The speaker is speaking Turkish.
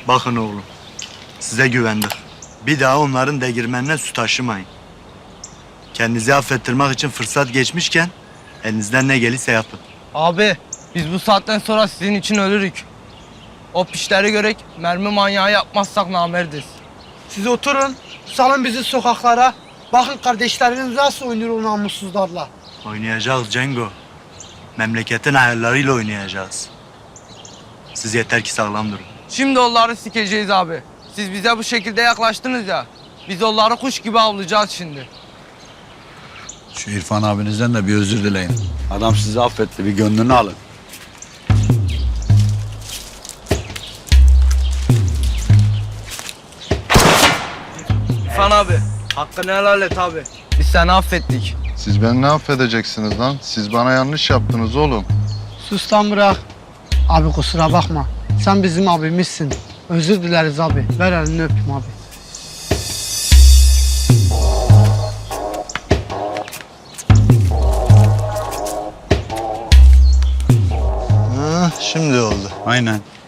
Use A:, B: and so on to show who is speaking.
A: Bakın oğlum, size güvendik. Bir daha onların değirmenine su taşımayın. Kendinizi affettirmek için fırsat geçmişken elinizden ne gelirse yapın.
B: Abi biz bu saatten sonra sizin için ölürük. O pişleri görek mermi manyağı yapmazsak namerdiz.
C: Siz oturun, salın bizi sokaklara. Bakın kardeşleriniz nasıl oynuyor o namussuzlarla.
A: Oynayacağız Cengo. Memleketin ayarlarıyla oynayacağız. Siz yeter ki sağlam durun.
B: Şimdi onları sikeceğiz abi. Siz bize bu şekilde yaklaştınız ya. Biz onları kuş gibi avlayacağız şimdi.
D: Şu İrfan abinizden de bir özür dileyin. Adam sizi affetti, bir gönlünü alın.
B: İrfan abi, hakkını helal et abi. Biz seni affettik.
E: Siz beni ne affedeceksiniz lan? Siz bana yanlış yaptınız oğlum.
C: Sus lan bırak. Abi kusura bakma. Sen bizim abimizsin. Özür dileriz abi. Ver elini öpeyim abi.
A: Ha, şimdi oldu.
D: Aynen.